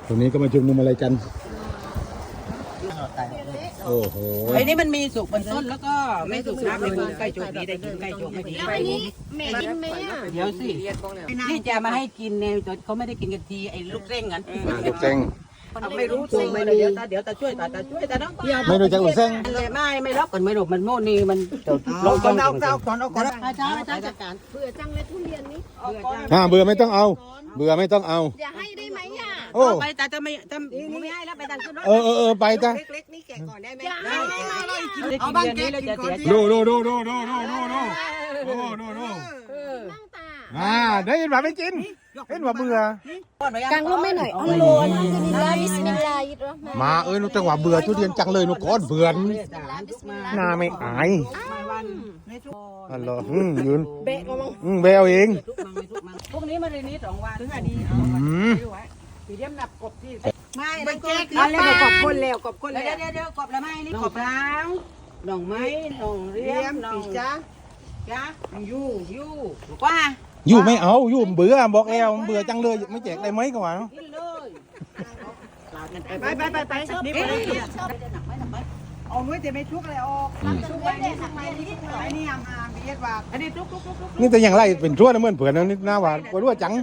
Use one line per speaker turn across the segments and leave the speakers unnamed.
ตรงนี้ก็มาชุมนุมอะไรกันโอ้โห
ไอ้นี่มันมีสุกบนต้นแล้วก็ไม่สุกนะไม่กินใกล้โจกนี้ได้กินใกล้โจกไม่กิน
แล้วอันนี้แม่กินไหมอ่ะ
เดี๋ยวสินี่จะมาให้กินเนี่ยเขาไม่ได้กินกันทีไอ้ลูกเร่งกัน
ลูกเส้ง
ไม่รู้ตัวไม่เดี๋ยวตาช่วยตาช่วยตาน้อง
ไม่รู้จักลูกเส้ง
ไม่ล็อกกันไม่หลบมันโม่นี่มันลงก่อนอาจารย์จัดการ
เบื่อจังเลยทุเรียนนี้
เบื่อไม่ต้องเอา เบื่อไม่ต้องเอา
อย่าให้ได้ไหมอ่ะ
โอ้
ไปตาจะไม่ให้แล้วไปดันขึ้นรถ
เออไปจ้ะ
เล็กๆนี่แกะก่อนได้ไหม
อย่าให้
เอาบ้านนี้แล้วจะเสีย
ดู
นั่งตา
ได้ยินว่าไม่กินเห็นว่าเบื่อก
างร่มไม่หน่อยอัลโลนบิสมิลลาห์บิสมิลลาฮิรเราะห์มานิรเราะห์
มานุจังหวะเบื่อทุเรียนจังเลยนุก้อนเบื่อ
บิสมิลลาห์บิสมิลลาห์
หน้าไม่อาย อันเหรอยืน
เบะก็มั้ง
เบลเอง
พวกนี้มาเรียนนี้2 วันถึงอันนี้ปีเดียมนับกบที่ไม่ได้แจกแล้วกบคนแล้วกบคนแล้วเดี๋ยวกบแล้วไม่นี่กบล้างหน่องไม้หน่องเรียมหน่องจ้ายู่กว่า
อยู่ไม่เอาอยู่เบื่อบอกแล้วเบื่อจังเลยไม่แจกได้ไหมก่อน
กินเลยไปนี่ไปเอาไว้แต่ไม่ทุกอะไรออกทุกไว้เนี่ยทำไมนี่ห่างๆเบียดว่าอันนี้ทุก
นี่แต่อย่างไรเป็นชั่วนะเหมือนเผื่อนนี่หน้าหวานกลัวจัง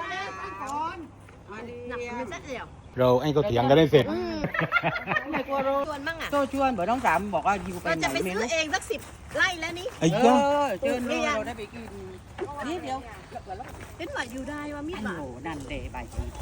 เราไอ้ก็เถียงกันได้เสร็จ
ไม่กลัวโร
ชวนมั่งอ่ะ
โซชวนบอกน้องสามบอกว่าอยู่ไป
เรา
ไหน
จะไป
ไม่
ซื้อ
รู้
เองสัก10 ไร่แล้วนี่
ไอ้จ้า
เชิญเราได้ไปกินนี่เดียว
เป็นหวัดอยู่ได้ว่ามีดหมา
โอ้นั่นเดย์ใบ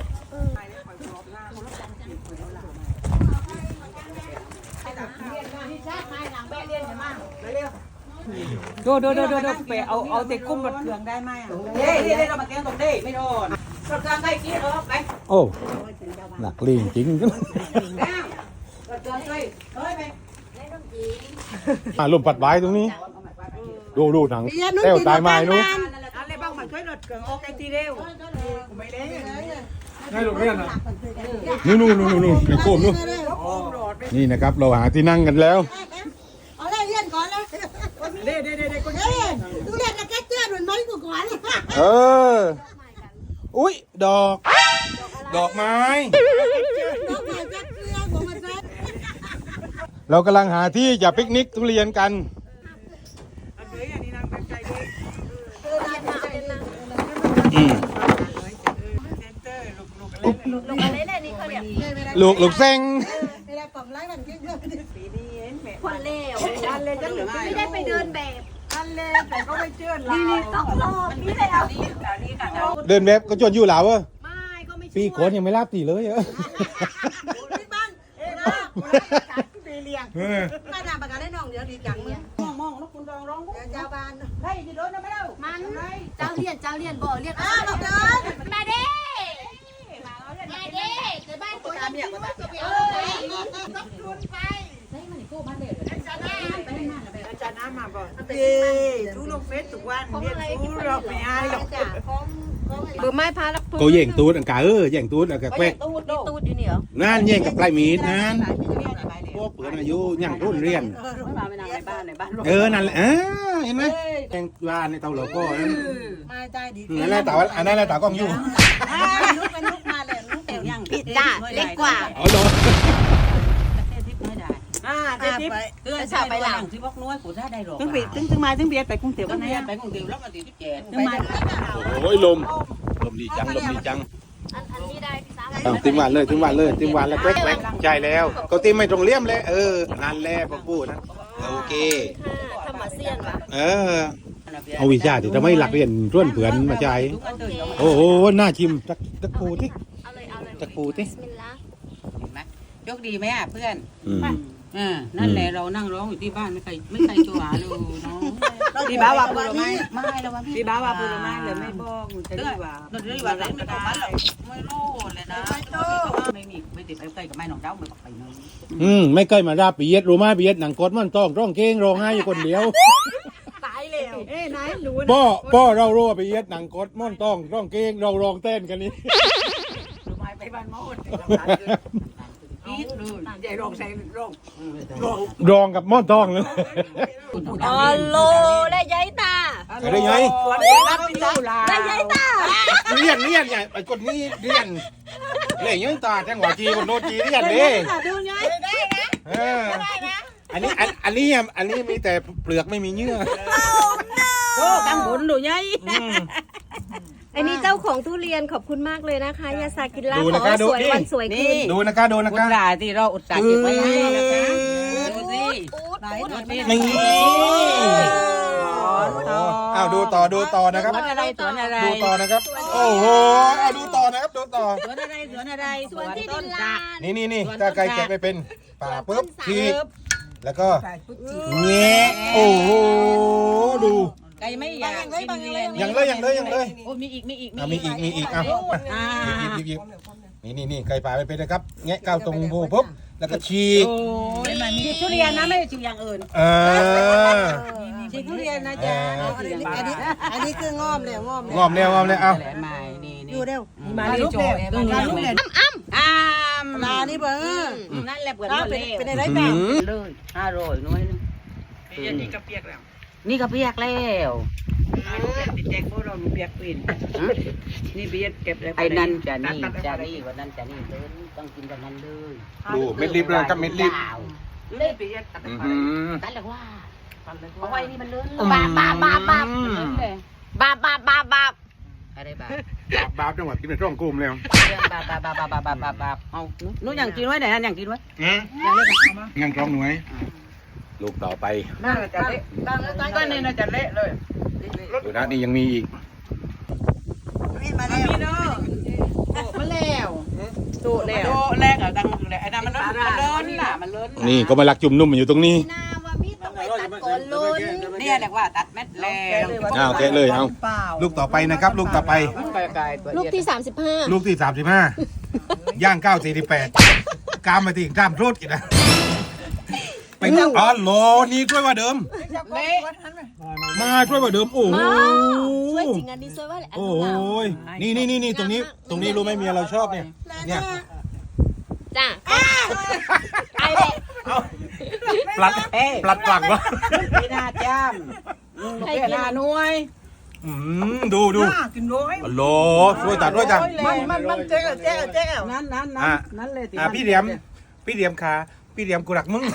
ดูไปเอาเตะกุ้งรถเครื่องได้ไหมเด้เรามาแกงตรงเด้ไม่โดนรถเครื่องได้กี่รอบไป
โอ้หนักลีจริง
รถเครื่องได้เฮ้ยไป
ลมปัดไว้ตรงนี้ ดูหนังเต้วตายไม้นู้น
อะไรบ้างมาช่วยรถเครื่องออกไอ้ทีเร็วไม่เล่น
นี่ลูกเรียนอ่ะนู่นไอ้โคมนู่นนี่นะครับ เราหาที่นั่งกันแล้ว
เอาเลยเรียนก่อนเลย
เด้คน
เฮ้ยดูเรียนแล้วแกเจือดเหมือนไม้กูก่อน
เออ อุ้ยดอกไม้
ต้องมาแกเจือดผมมาใส่
เรากำลังหาที่จะปิกนิกทุเรียนกัน
อันนี้นางเป็นใจดี
ลงอะไรเนี่ยนี่เขาเนี่ย
ลูกเส้ง
ไม่ได้ปรับไล่มันเจือด
ปีนี้เห็นแม่
คนเลว
อันเลยจังหรือ
ไม่ได้ไปเดินแบบ
อันเลยแต่ก็ไม่เชื่อเรา
นี่ต้องรอพี่แล้ว
เดินแบบก็จนอยู่หลาวเออ
ไม่ก็ไม่
ปีก่อนยังไม่รับตีเลยเออ
ที่บ้านปีเลี้ยงบ้านทำประกันให้น้องเดี๋ยวดีจังมึง
มองแล้วคุณร้อง
เจ้าบ้าน
ได้จะโดนไม่ได้
มันเจ้าเรียนบ่เรียน
อ้าวบอกเดิน
มาเด้มาเด้จะบ้านกูทำอย่างไรต้องชวนไป
อาจารย์น้ำมาบอกดูลงเฟซทุกวันเรียนรู้เราไม่อายหรอก
เบอร์ไม้พาลัก
ก็แย่งตูดอันกาแย่งตูดอันกาแควก
ตูดอยู่นี่เหรอ
นั่นแย่งกับปลายมีดนั่นพวกเปิดอายุย่างรุ่นเรียน
ไม่มาไม่นานในบ้าน
นั่นแหละเห็นไหมแย่งบ้านในเตาเหลาก็นั่น
มาได้ดี
นั่นแหละเตาอันนั้นแหละเตากล้องอยู่
ลุกเป็นลุกมาเลยลุก
แต่ยัง
ผิดจ้าเล็กกว่า
อ๋อเหรอ
ทิพไม่ได้ทิพเตือนชาวไปหลังที่บอกน้อยกูได้หรอกถึงมาถึงเบียร์ไปกรุงเทพก็เบียร์ไปกรุงเทพแล้วมาตีที่7ถึงมา
โอ้ยลมดีจัง
อันนี้ได้พี่สาว
ติมหวานเลยแล้วแควกใช่แล้วก็ติมไม่ตรงเลี่ยมเลยนั่นแหละพวกพูดนะโอเค
ทำมาเซียนวะ
เอาวิชาที่ทำให้หลักเรียนร่วนเผือนมาใจโอ้โหน่าชิมตักปูที่
เอาเลย
ตักปูที่
บิสมิลลาห์
เห็นไหมยกดีไหมเพื่อนนั่นแหละเรานั่งร้องอยู่ที่บ้านไม่ใครจัวเลยน้องพี่บ้าว่าปูรไม้ไม่แล้วว่าพี่บ้าว่าปูรไม้เลยไม่บอกจะดีว่าไม่บอกมันหรอกไม่รู้เลยนะไม่ติดไปใกล้กับแม่น้องเจ้าไม่บอกไปเลย
ไม่เคยมาราปีเย็ดรู้ไหมปีเย็ดหนังกดมันต้องร้องเก่งร้องไห้อยู่คนเดียว
ตายแล้ว
ไหนรู้
ป้อเรารู้ว่าปีเย็ดหนังกดมันต้องร้องเก่งเราร้องเต้นกันนี่
รู้ไหมไปบ้านมดอีทเลยใหญ่ร้องใส่ร้อง
ร้องกับม่อนต้องเลย
อ๋อโลและยายตา
ได้ไง
รับอยู่ลา
และยายตา
เรียนไงไอ้คนนี้เรียนเล่ยยังตาจังหวะจีบนโนจีนี่อย่างนี้
ดูไงได้นะ
ได้นะ
อันนี้มีแต่เปลือกไม่มีเนื้อ
โอ้กังวลดูไง
อันนี้เจ้าของทุเรียนขอบคุณมากเลยนะคะยาซากิระ
ดู
ข
นะ
อ
คะ
ให้
ดู
สวย
นี่
วันสวยคืน
ดูนะคะดูนะ
คุณ
คะ
ลาที่เราอุตส่าห์เก็บไว้ให้นะคะดูสิ
นี่อ้าวดูต่อนะครับ
สวนอะไรสวนอะไร
ดูต่อนะครับ โอ้โหเอาดูต่อนะครับดูต่อ
สวนอะไรสวนอะไร
สวนที่
ต้
ดิ
น
น
ตา
ลาน
นี่ถ้าไก่แกะไม่เป็นป่าปุ๊บทีแล้วก็เงี้ยโอ้โหดู
ไก่ไม่อยากกินทุเรียน
ยังเลย
โอ้มีอีก
มีอีกอ่ะหยิบนี่ไก่ป่าไม่เป็นนะครับแงะก้าวตรงโบปุ๊บแล้วก็ฉีก
โอ้ยมันมีทุเรียนนะไม่ได้ฉีกอย่างอื่น ฉีกทุเรียนนะจ๊ะ
อันนี้คืองอมเลยงอมเลย
งอมแล้วเอา
แหลมใหม่นี่
ดูเร็ว
มาลูกเด็กลูกเด็กอ้าม
ลานี่เบิ้ง
นั่นแหละเปิดหมดเลย
เป็นอะไรแบบ
เลย500น้อยนึงนี่ก็เปียกแล้วนี่ก็เปียกแล้วแจกพวกเราเปียกปีนนี่เปียกเก็บแล้วไอ้นั่นจะนี่วันนั้นจะนี่เลยต้องกินวันนั้นเลย
ดูเม็ดลิบเลยครับเม็ดลิบ
เล่เปียกตัดเลยว่าเพราะว่านี่มันเลื่อนบาบอะไรบา
บจังหวัดกินเป็นร่องกลุ่มแล้ว
บาเอานู้นอย่างกินไว้ไหนนั่นอย่างกินไว้
งั้นกล้องหน่วยลูกต่อไป
น่าจะเละก็นี่น่าจะเละเลย
ดูนะนี่ยังมีอีก
มาแล้ว
มาแล้วโตแล้วแรกอ่ะดังเลยไอ้นั่นมันเลื่อนน่ะมันเลื่อน
นี่ก็มาลักจุ่มนุ่มอยู่ตรงนี้
นาว่ามีต้องไปตัดก่อนลุ้น
เนี่ยเรียกว่าตัดเม็ดแล้ว
เอาแกะเลยเอาลูกต่อไปนะครับ ลูกต่อไป
ลูกที่
ลูกที่35ย่าง9 48กามมาที่กามโทษอีกนะไปอ๋อโหลนี่ช่วยว่าเดิม
เละ
มาช่วยว่าเดิมโอ้โห
ช่วยจริงอันนี้ช่วยว่าแหละ
โอ้ยนี่ตรงนี้รู้ไหมเมียเราชอบเนี่ย
จ้าไอ้เด็ก
ปลัดปลักวะ
พี่นาจ้ามใครกินหน้าหน่วย
ดู
กินร้อย
โหลช่วยตัดด้วยจ้ะ
มันเจ๊ก
นั่นเลย
พี่เดียมขาพี่เดียมกูรักมึง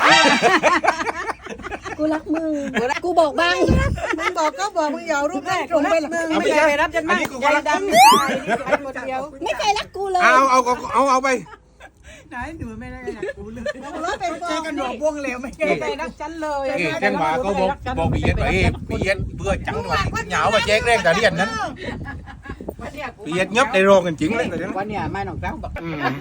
กูรักมึงกูบอกบ้าง
มึงบอกก็บอกมึงอย่ารูปแรกส่งไปหลังมึง
ไม่เคยรับจนมากใจดำไปหมดเดียว
ไม่เคยรักกูเลย
เอาไป
ไหนดูไม่ได้นะกูเลยรถเป็นฟองกันหนวกวงเหลวไม่เคย
ใจรักฉันเลย
แจ้งว่าเขาบอกพี่เย็ดไปพี่เย็ดเบื่อจังหวะเหงามาแจ้งแรงแต่เรียนนั้นพี่เย็ดยับในโรงกันจริงเลยแต่นั้น
วันนี้ไม่หนองเจ้าบอก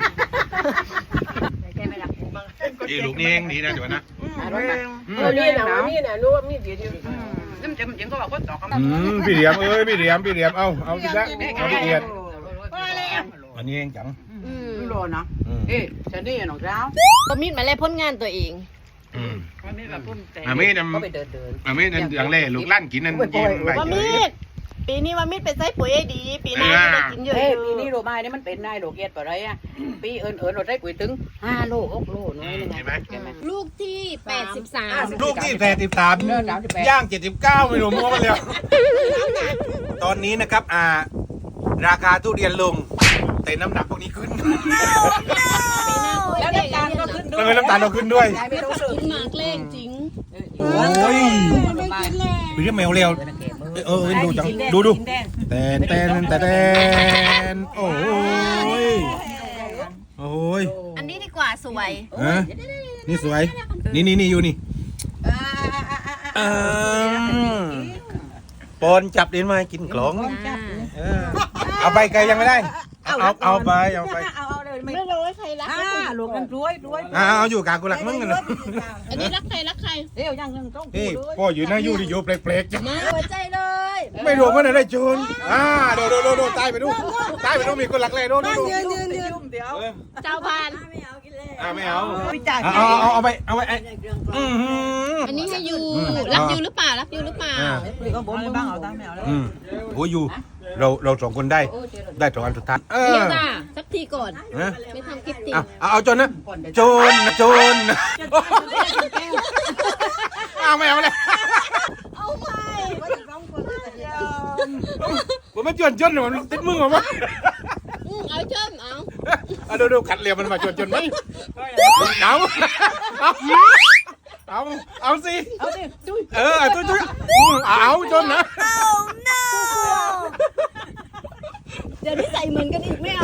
ลูกนี่เองดีนะเดี๋ยวนะ
นี่นะรู้ว่ามีเดียวนั่นจะมันยังก็บอกว่าต่อคำ
พี่เดียมเอาดีละเอาพี่เดียดอันนี้เองจัง
โลนะเอ๊ะฉันนี่หนองเจ้า
ก็มีดมาแล้วพ้นงานตัวเอง
วันนี้แบบพุ่นแต่
ไม่นั่น
ก็ไปเดิน
ไม่นั่นอย่างเล่ลูกลั่นกินนั่นยิงไป
ว่ามีดปีนี้ว่ามีดเป็นไส้ปุ๋ยดี ปีหน้าจะได้กินเยอะ
เฮ้ยปีนี้โลไม้นี่มันเป็นนายโลเกียรอะไรอ่ะปีเอิญเราได้ปุ๋ยถึง5 โล 6 โลน้อยนึง
เห็นไหม
ลูกที่83
ลูกที่83ย่าง79ไม่รู้มั่วมาแล้วตอนนี้นะครับราคาทุเรียนลงแต่น้ำหนักพวกนี้ขึ้น
แล้วน้ำตาลก็ขึ้นด้วย
น้ำตาลเราขึ้นด้วย
ไม่ต้องซื้อ
กินหมากเล่งจริง
โอ้ยพี่เรียกแมวเร็วดูจังดูแต่โอ้ย
อันนี้ดีกว่าสวย
นี่สวยนี่อยู่นี่ปอนจับเดินมากินกล่องเอาไปไกลยังไม่ได้เอาไป
ไม่รู้ว่าใครรัก
หลวงกันรวย
เอาอยู่กลางกูรักมึงกันนะ
อันนี้รักใครรักใคร
เดี๋ยวยังต้อง
นี่พ่ออยู่หน้ายู่ที่อยู่เปลกๆ
มาหัวใจเลย
ไม่รู้ว่าได้โจรดูตายไปดูมีคนหลักเลยดู
ยืน
เดี๋ยว
เจ้าพาน
ไม่เอา
วิจารณ์
เอาไป
อันนี้ให้ยูรักยูหรือเปล่า
ก็บ่มบ้างเอาตามแมวแล้ว
โอ้ยอยู่เรา2 คนได้2 อันสุดท้าย
เดี๋ยวจ้าสักทีก่อน
นะ
ไม่ทำคลิปติ
เอาโจรนะโจรไม่เอาเลย
เอาไป
ผมไม่จนมันติดมึงหรอวะ
เอาเชิญเอา
ดูขัดเหลี่ยมมันมาจนไหมเอาสิจุ้ยเอาจนนะ
เดี๋ยวนี้ใส่เหมือนกันอีกไม่เอา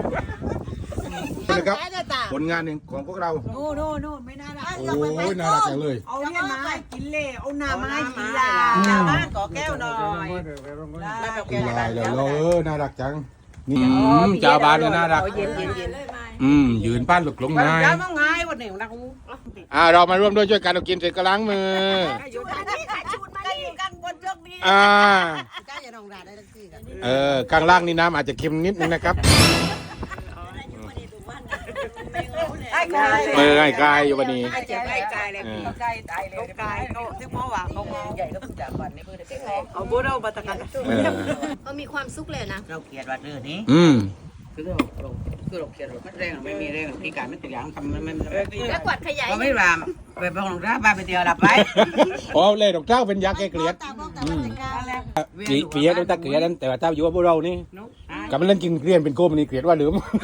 นะครับผลงานหนึ่งของพวกเรา
โน่ไม่น่ารัก
โอ้ยน่ารักจังเลย
เอาเนี่ยไม้กินเล่เอาหน้าไม้กินยาชาวบ้านขอแก้วหน่อย
ลายเลยน่ารักจังนี่ชาวบ้านก็น่ารักยืนป้านหลุกลงง่าย
แล้วต้องง่ายวันหนึ่งนะกู
เรามาร่วมด้วยช่วยกันเรากินเสร็จก็ล้างมือ
อยู่ด้านนี้ค่ะชุดมาได้อยู่กันบนโชคดี
กล้าอย่าลงด่าได้ทั้งที่กัน
ข้างล่างนี่น้ำอาจจะเค็มนิดนึงนะครับไอ้กายอยู่วันนี้
ไอ้เจ็บไอ้กายเลยพี่ใกล้ตายเลยกายเขาที่พ่อว่าเขาใหญ่ก็เพิ่งจากวันนี้เพิ่งได้แก่เอาบุเราบัตรกัน
เขามีความสุขเลยนะ
เราเกลียดว่าเรื่องนี้ คือเราเขียนไม่แรงไม่มีแรงพิการไม่ติดอย่างทำมัน
แล้วกวาดขยาย
ก็ไม่รามไปบ้องร้าบ้าไปเดียวหลับไป
เล่ดอกเจ้าเป็นยักษ์แกเกลียดเกลียดต้องตาเกลียดนั้นแต่ว่าเจ้าอยู่ว่าพวกเรานี่กับมันเล่นกินเกลียนเป็นโกมนี่เกลียดว่าหรือ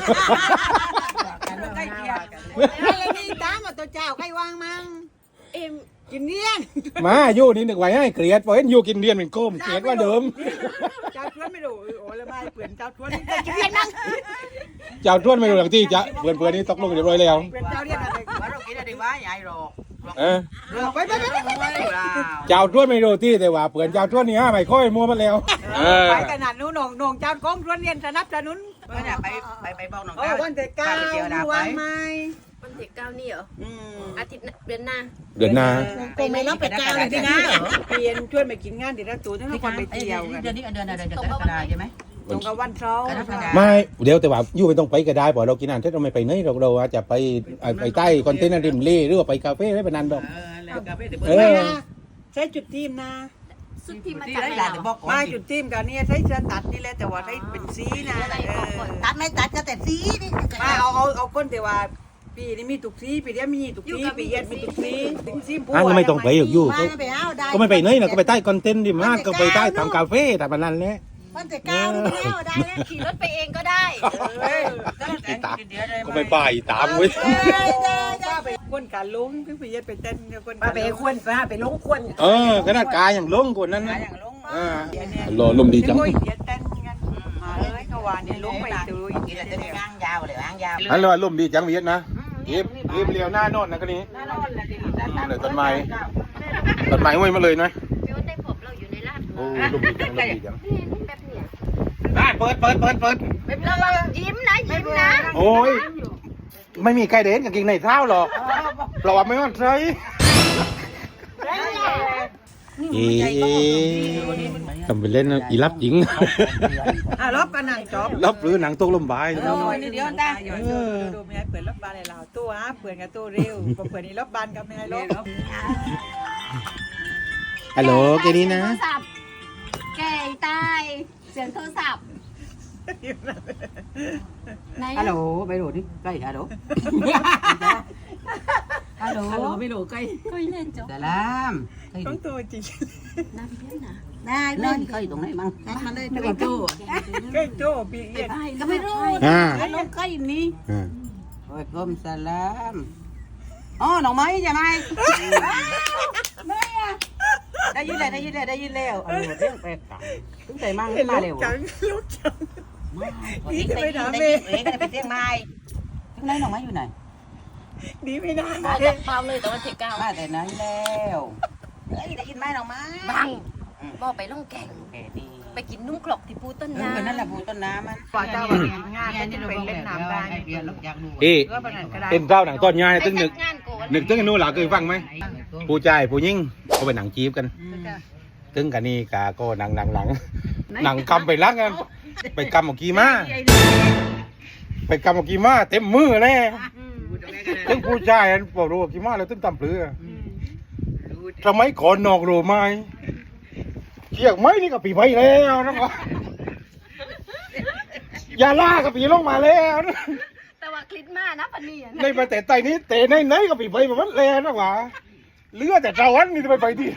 อะไรนี่ตามมาตัวเจ้าใครวางมั่ง
เอ็ม
กินเลี้ยง
มาอยู่นี่นึกไว้ให้เกลียดพอเห็นอยู่กินเรียนเป็นโกมเกลียดว่าเดิม
เจ้าทวนไม่รู้โอ้ละบายเปลี่ยนเจ้าทวนกินเลี้ยงนั่ง
เจ้าทวนไม่รู้หลังที่จะเพื่อนนี่ตกลงเรียบร้อยแล้ว
เปลี่ยนเจ้าเลี้ยงอะไร
ว่าเรากินอะไรบ้าใหญ่หรอก
ไป
เจ้าทวนไม่รู้ที่แต่ว่าเพื่อนเจ้าทวนนี่ไม่ค่อยมัวมันแล้ว
ไปขนาดนู้นหนงเจ้าก้องทวนเรียนสนับสนุน
เนี่ยไปบ้องน้อง
โอ้วันแต่ก้าววางไม้
วันที่9นี่เหรออาทิตย์เดือนหน้า
เดือนหน้า
คงไม่รับไปก้าวเลยที่นะเปลี่ยนช่วยมากินงานเดี๋ยวเราตัวทั้งคนไปเที่ยวกัน
เดือนนี้เดือนอะไรเดือนกรกฎาใช่ไหม
ตรงกับวันเสาร์
ไม่เดี๋ยวแต่ว่าอยู่ไม่ต้องไปก็ได้เพราะเรากินอาหารที่เราไม่ไปไหนเราอาจจะไปใต้คอนเทนเนอร์ริมเล่หรือว่าไปคาเฟ่ได้เป็นนันดอก
ใช้จุดทีมนะ
สุดที่มา
ที่
จาก
ได้
ไหน
หลาน
เหรอ
บอก
มาจุดทีมกันนี่ใช้จะตัดนี่แหละแต่ว่าได้เป็นสีนะตัดไม่ตัดก็แต่สีนี่มาเอาคนแต่ว่าปีนี้มีตุกสีปีนี้มีตุกสีปีเย็นมีตุกสีถึงสีบัว
ไม่ต้องไปอยู่ก็ไม่ไปไหนนะก็ไปใต้คอนเทนต์ดิมากก็ไปใต้ทำคาเฟ่แต่เป็นนันแหละ
มันแต่ก้าวนี่ไม่เอาได้แล้ว
ขี่รถไปเองก็ได้
ก็ไม่ไปตามเว้ย
ไปควนการลงคือปีเย็นไปเต้นคนไปควนไปลงควน
ขนาดกายอย่างลงกว่านั้นนะ
อย่างลง
รอลมดีจัง
เต้นกันมาเลยก็ว่าเนี่ยลงไปดู
กินจะได้งางยาวเลยงางยาว
ฮัลโหลลมดีจังเวียดนะรีบเลี้ยวหน้าโน่นนะก็นี้เลยต้นไม้ห้วยมาเลยนะ
เดี๋ยวได้ผมเราอยู่ในร้าน
โอ้ลมดีจัง
แป๊บเนี่ย
เปิด
เรายิ้มนะยิ้มนะ
โอ้ยไม่มีใครเด่นกับกิ่งในเท้าหรอกเราว่าไม่มั่นใจทำไปเล่นอีรับหญิง
รบกันหนังจบ
รับหรือหนังตกลมบาย
เดี๋ยวได้
ดูไม่ให้เปิดรบบานเลยเราตัวเปิดกับตัวเร็วเปิดนี่รบบานกับไม่ให้รบ
ฮัลโหลแกนี้นะ
โทรศัพท์แก่ตายเสียงโทรศัพท์ไหน
ฮัลโหลไปโหลดิใกล้ฮัลโหลฮัลโหลไปโหลใกล้
คุยเล่นจบ
แต่ลาม
ต้องตัวจริง
น้ำเพี้ยนนะ
ได้เล
เล่
ย
นเคยตรงไหนมั้ง
มาเลยตัวโจ้ใกล้โจ้ปีเอียด
ก็ไม่รู้
อ่า
ลงใกล้นี้โอ้ยกลมสลามอ๋อหนองไม้ใช่ไหมได้ยินแล้วเออเรื่องแปลกถึงใจมั่งมาเร็ว
จังลูกจัง
นี่จะไปถามเองไปเตียงไม้ถึงไหนหนองไม้อยู่ไหน
ดีไม่ได้
มาจากเปล่าเลยแต่ว่าเทก้าว
มาแต่นั้นแล้วได้ยินไหมหนองไม้
บังบ่ไปล่องแก่ง
แกดี
ไปกินนุ่มกรอกที่ปูต้น
เออ
น้ำ
นั่นแหละปูต้นน้ำมัน
กว่าเจ้างานจะไปเล่นน้ำได้
เรียนลูกอยากดู
ก็ปนันก็ได้
เป็นเจ้าหนังต้นยายตึ้งนึก
งานโกน
นึกตึ้งนู้นหล่ะเคยฟังไหมผู้ชายผู้หญิงก็เป็นหนังจีบกันตึ้งกันนี่กาก็หนังกำไปล้างกันไปกำออกกีมาเต็มมือแน่ตึ้งผู้ชายบอกรู้กีมาแล้วตึ้งตำเปลือทำไมขอนอกรู้ไหมเกี่ยงไหมนี่ก็ปีไปแล้วนะยาล่าก็ปีลงมาแล้วนะ
แต่ว่าคลิปมานะพันนี่
ในประเทศไทยนี้เตะไหนก็ปีไปแบบนั้นแล้วนะหว่าเลือดแต่ตะวันนี่จะไปที่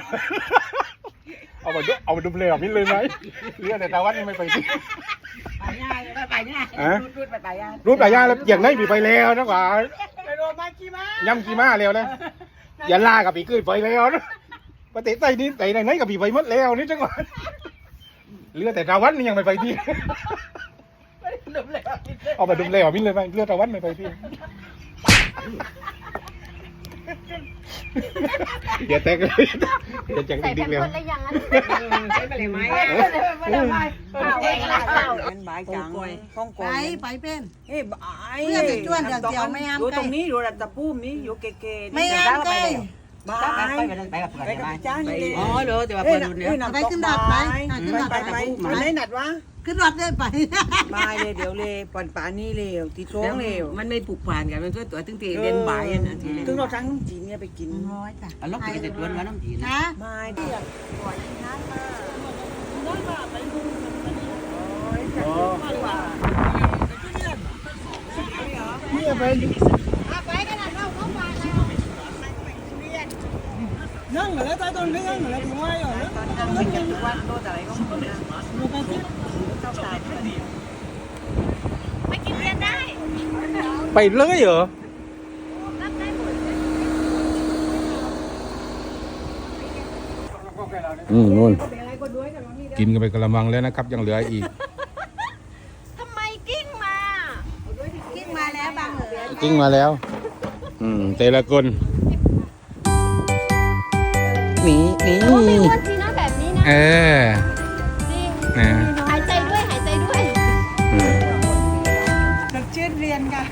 เอามาดูเลยแบบนี้เลยไหมเลือดแต่ตะวันนี่ไม่ไปที่
ไปเนี่ย
อะ
รูดไปอ่ะ
รูปหลายอย่างแล้วอย่างไหนปีไปแล้วนะกว่า
ไปโดนมากี่มา
ย่ำกี่ม้าแล้วนะอย่าล่ากับปีขึ้นไปแล้วนะประเทศไทยนี่ไหนกับปีไปหมดแล้วนี่จังหวะเรือแต่ตะวันนี่ยังไม่ไปที่เอาไปดุมแล้วมินเลยไปเรือตะวันไม่ไปที่อย่าแตกเลยอย่าจัง
ใส่
ดิ๊
แผ่
ก
น
แล้ว
คนละอย่างนั้น
ใช้ไปเลยไหม
เป็นบายจังฮ่องกง
ไปเป็น
เฮ้ยบาย
เพื่อนจะชวนเดี๋ยวไม่ห้าม
อยู่
ใกล้
ตรงนี้อยู่ระดับพุ่มนี้อยู่เก๋ๆ
ไม่ห้ามใกล้
บาย
ไปกับเพื่อน
ไปกับจ้างนี่เลย
อ๋อเหรอแต่ว่าเพื่อนเนี่ย
ไปขึ้นดาดไปขึ้นดาด
ไป
ไป
วันไหนนัดวะ
ขึ้นรถได้ไป
บายเลยเดี๋ยวเลยป่านป่านนี้เลยตีโช้งเลย
มันไม่ผูกพันกันมันก็ตัวตึงตีเด่นบ่ายนะที
ถึงเราทั้งจีนเนี่ยไปกิน
ร้อยจ้ะ
ล็อกไปแต่ตัวน้ำจีน
นะ
ไม่ที่อยากปล่อยน้ำมาเนี่ยไป
ไปกันนะเราเข้ามา
นั่งแล้วใต้ต้นเรื่องแล้วถึงว่าอยู่แล้วไม่กินทุกวันโดนอะไรก็ไม่ได้
ไม่กินเรียนได้
ไปเลยเหรอ
รับได้หมด
นู่นกินกันไปกระมังแล้วนะครับยังเหลืออีก
ทำไมกิ้งมา
กิ้งมาแล้วบางเหลือ
กิ้งมาแล้วแต่ละคนหนี
โอ้ไม่อ้วนทีนะแบบนี้นะ
เออ
จริง
นะ
หายใจด้วยหายใจด้วย
นักเชื่อเรียนกัน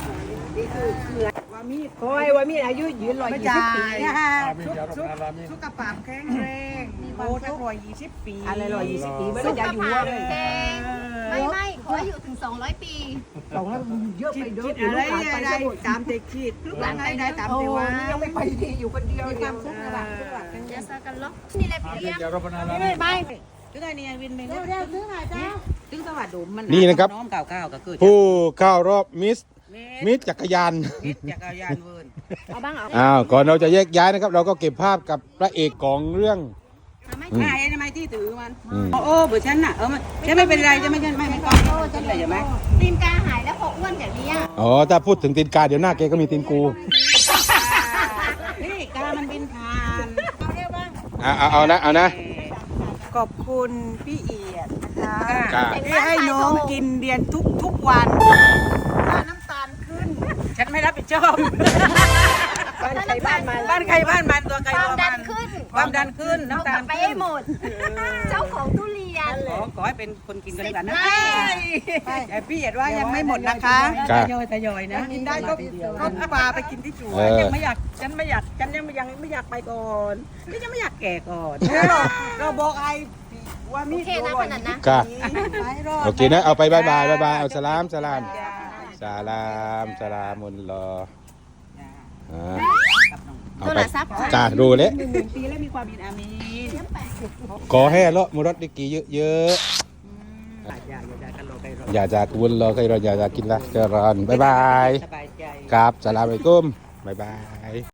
ว่ามีอายุยืน120 ปีสุขภาพแข็งแรงโอ้ถ้า120 ปีอะไร120 ปีไม่
สุ
ได้
ข
จะอยู่
ภาพ
เลย
แข็งไม่ขออยู่ถึง200 ปี
เยอะไปเยอะอะไรได้ตามเด็กคิดลูกหลานได้ตามเด็กว่ายังไม่ไปดีอยู่คนเดียวมีความสุขระหว่าง
เดี๋ยวซากันล็อกนี่แหละพี่เลี้ยง
ไปถึงไอ้นี่วินไป
เร็วซื้อหน่อยจ้า
ถึงสวัสดิ์มัน
นี่นะครับ
น้องเก่าก็เกิด
ผู้เข้ารอบมิสจักรยาน
จักรยานเวิร์น
เอาบ้างเอา
อ้าวก่อนเราจะแยกย้ายนะครับ เราก็เก็บภาพกับพระเอกของเรื่อง
ใช่ทำไมที่ถือมันโอ้เบอร์ฉันน่ะฉันไม่เป็นไรจะไม่ใช่ไม่ก้อนฉันเลยใช่ไหม
ตีนกาหายแล้วพออ้วนอย่างนี้
อ๋อถ้าพูดถึงตีนกาเดี๋ยวหน้าแกก็มีตีนกู
นี่กามันบินผ่าน
เอานะ
ขอบคุณพี่เอียดนะ
กา
คะที่ให้น้องกินเรียนทุกวันถ้าน้ำตาลขึ้น
ฉันไม่รับผิดชอบ
บ้านใครบ้านมัน
บ้านใครบ้านมันตัวใคร
ความ
ตัว
ดั
มัน น
ขึ้น
ความดันขึ้น
เอา
น้ำ
ก
ตา
ลั
ล
บไปให้หมด เจ้าของทุเรียน
ขอให้เป็นคนกินกันแล้วกันนะ
แต่พี่เอียดว่ายังไม่หมดนะคะ
กา
ทยอยนะ
กินได้ก็ปลาไปกินที่สวน
ยังไม่อยากฉันไม่อยากไปก่อนนี่ยังไม่อยากแก่ก่อน
เราบอกไอ้ว่ามี
โอเคนะขนาดนะ
กา
ไปรอด
โอเคนะเอาไปบายบายเอาสลามมุนรอเอาไปกาดูเลย
ปีแล้วมีความบินอามีน
ขอให้เลาะมุรดดิกีเยอะอย่าจากวุ้นรอใครรออย่าจากกินละเจริญบายบาย
สบายใจ
ครับสลามอะลัยกุมบายบาย